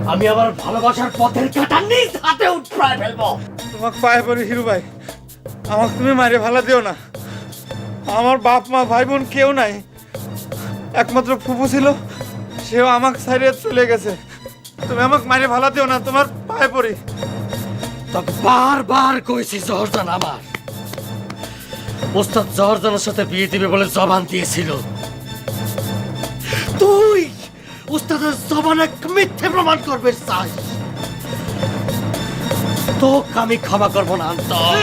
আমি আমার ভালোবাসার পথের কাঁটা নিজ হাতে উঠড়ায় ফেলবো। তোমাকে পায়ে পড়ি হিরু ভাই, আমাকে তুমি মারে ভালা দিও না। আমার বাপ মা ভাই বোন কেউ নাই, একমাত্র ফুফু ছিল, সেও আমাকে ছাড়িয়ে চলে গেছে। তুমি আমাকে মারে ভালা দিও না, তোমার পায়ে পড়ি। তোকে বারবার কইছি জহরজান আমার ওস্তাদ জহরজানের সাথে বিয়ে দিবে বলে জবান দিয়েছিল। তুই ওস্তাদের জবানে মিথ্যে প্রমাণ করবে চাই, তোকে আমি ক্ষমা করবো না।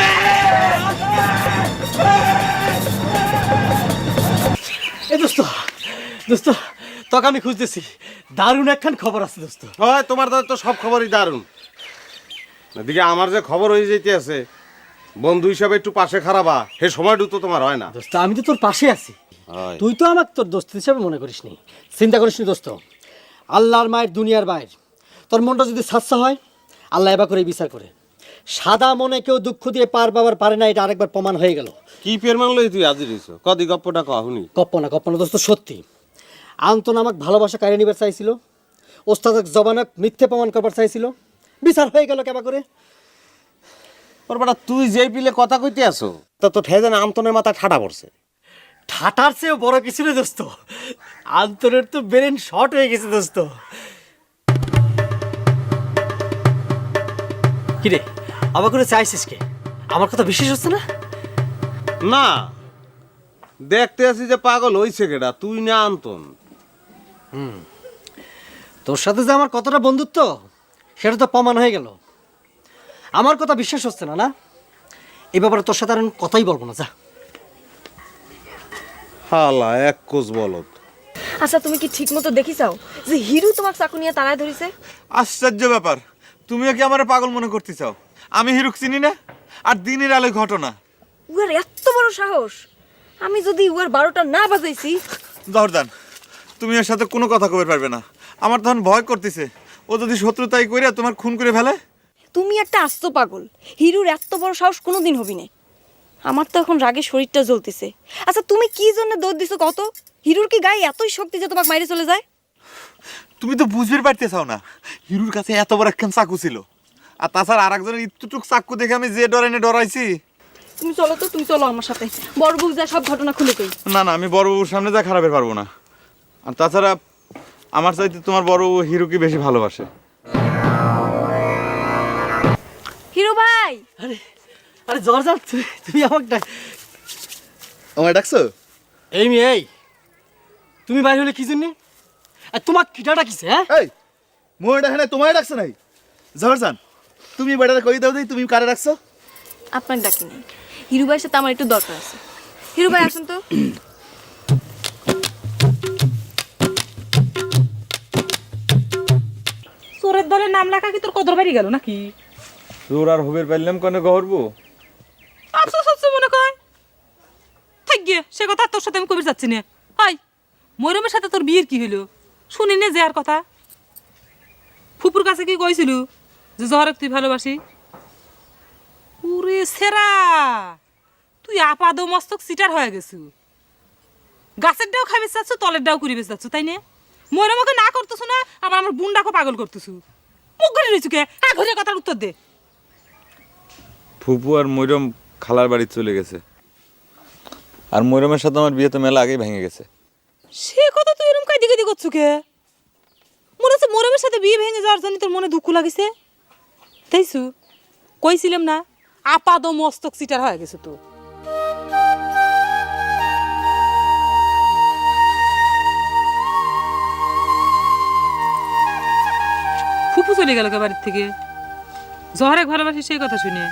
এ দোস্ত, দোস্ত তোকে আমি খুঁজতেছি, দারুণ একখান খবর আছে দোস্ত। হয় তোমার দাদা তো সব খবরই দারুণ। এদিকে আমার যে খবর হয়ে যেতে আছে, বন্ধু হিসাবে একটু পাশে খারাপা, সে সময়টু তো তোমার হয় না। দোস্ত আমি তো তোর পাশে আছি, হয়। তুই তো আমাকে তোর দোস্ত হিসাবে মনে করিসনি, চিন্তা করিসনি দোস্ত। আল্লাহর মায়ের দুনিয়ার বাইর, তোর মনটা যদি সাচ্চা হয় আল্লাহ এবার করে বিচার করে। সাদা মনে কেউ দুঃখ দিয়ে পার পাবার পারে না, এটা আরেকবার প্রমাণ হয়ে গেল। কি ফের মানলই তুই আজি রইছ, কদি গপ্পটা কহুনি। কপ্পনা দোস্ত সত্যি। আন্তন আমাকে ভালোবাসা কাড়ে নিবার চাইছিল, ওস্তাদের জবানক মিথ্যে প্রমাণ করবার চাইছিল, বিচার হয়ে গেল কেবা করে। ওর বেটা তুই যেই পিলে কথা কইতে আসো, তা তো ঠেজেন আমতনের মাথা ঠাডা পড়ছে। ঠাটার চেয়েও বড় কিছু নেই দোস্ত, আন্তরের তো ব্রেন শর্ট হয়ে গেছে দোস্ত। কিরে আবার করে চাইছিস কে? আমার কথা বিশ্বাস হচ্ছে না? না, দেখতে আছি যে পাগল হইছে কেডা, তুই না আন্তন। তোর সাথে যে আমার কতটা বন্ধুত্ব সেটা তো প্রমাণ হয়ে গেল। আমার কথা বিশ্বাস হচ্ছে না, না? এই ব্যাপারে তোর সাথে আর আমি কথাই বলবো না, যা। হালা এক কোষ বলত। আচ্ছা তুমি কি ঠিক মতো দেখিছাও যে হিরু তোমাকে চাকু নিয়ে তাড়ায় ধরিছে? আশ্চর্য ব্যাপার, তুমিও কি আমার পাগল মনে করতে চাও? আমি হিরুক চিনি না, আর দিনের আলোয় ঘটনা। উয়ার এত বড় সাহস! আমি যদি উয়ার 12টা না বাজাইছি। জহরদান, তুমি ওর সাথে কোনো কথা কবে পারবে না। আমার তখন ভয় করতেছে, ও যদি শত্রুতাই কইরা তোমার খুন করে ফেলে। তুমি একটা আস্ত পাগল, হিরুর এত বড় সাহস কোনোদিন হবি না। আমার তো এখন রাগে শরীরটা জ্বলতেছে। আচ্ছা তুমি কি জন্য দৌড় দিছো কত? হিরুর কি গায়ে এতই শক্তি যে তোমাকে মাইরে চলে যায়? তুমি তো বুঝতে পারতে চাও না, হিরুর কাছে এত বড় একখান চাকু ছিল, আর তাছাড়া আর একজনের ইত্যুটুক চাকু দেখে আমি যে ডরাইছি। তুমি চলো তো, তুমি চলো আমার সাথে, বড় বউ যা সব ঘটনা খুলে কই। না না, আমি বড়বাবুর সামনে যা খারাপের পারবো না। আর তাছাড়া আমার চাইতে তোমার বড়বাবু হিরুকে বেশি ভালোবাসে। হিরু ভাই! আরে আরে জর্জান, তুমি আমাকে আমায় ডাকছো? এই মেয়ে, এই তুমি বাইরে হলে কি জন্য? আর তোমার কিটা ডাকিছে? হ্যাঁ এই মই ডাকে না, তোমায় ডাকছে নাই? জহরজান, তুমি বেটারে কই দাও দেই, তুমি কারে ডাকছো? আপনাকে ডাকি নাই, হিরু ভাইয়ের সাথে আমার একটু দরকার আছে। হিরু ভাই আসুন তো। চোরের দলের নাম লেখা কি তোর কদর বাড়ি গেল নাকি? তোর আর হবের পারলাম কেন গহরবো? আফসোস হচ্ছে মনে কয়। থাক গিয়ে সে কথা আর তোর সাথে আমি কবির যাচ্ছি না। হাই, ময়রমের সাথে তোর বিয়ের কি হইলো শুনি নে যে আর কথা। ফুপুর কাছে কি কইছিল যে জহরক তুই ভালোবাসি? ওরে সেরা, তুই আপাদ মস্তক সিটার হয়ে গেছু। গাছের ডাও খাবি চাচ্ছ, তলের ডাও করিবে চাচ্ছ, তাই না? ময়রমকে না করতেছ না, আবার আমার বুনডাকে পাগল করতেছু। মুখ ঘুরে রয়েছু কে? ঘুরে কথার উত্তর দে। ফুপু আর ময়রম খালার বাড়ি চলে গেছে, আর ময়রমের সাথে আমার বিয়ে তো মেলা আগেই ভেঙে গেছে। সে কথা তুই এরকম কাইদি কাইদি করছু কে? মনে হচ্ছে মরমের সাথে বিয়ে ভেঙে যাওয়ার জন্য তোর মনে দুঃখ লাগিছে, তাইছু? কইছিলাম না আপাদ মস্তক সিটার হয়ে গেছে তো। ফুপু চলে গেল কে বাড়ির থেকে? জহরেক ভালোবাসি সেই কথা শুনে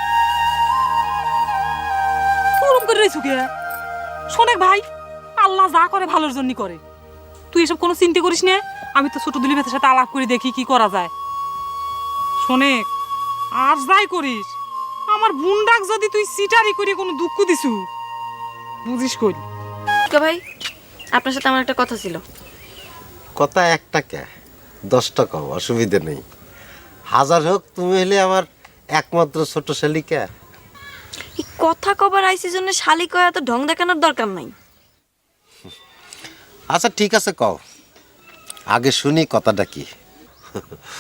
ওরম করে রয়েছু কে? শোনেক ভাই, আল্লাহ যা করে ভালোর জন্য করে। তুই এসব কোনো চিন্তা করিস না, আমি তো ছোট দুলি ভেতের সাথে আলাপ করে দেখি কি করা যায়। শোনেক, আর যাই করিস, আমার বুনডাক যদি তুই সিটারি করে কোনো দুঃখ দিছু, বুঝিস কই। ভাই আপনার সাথে আমার একটা কথা ছিল। কথা একটা কে 10টা কম, অসুবিধা নেই। হাজার হোক, তুমি হলে আমার একমাত্র ছোট শালিকা। এই কথা কবার আইসি জন্য শালি কয়া তো ঢং দেখানোর দরকার নাই। আচ্ছা ঠিক আছে, কও, আগে শুনি কথাটা কি।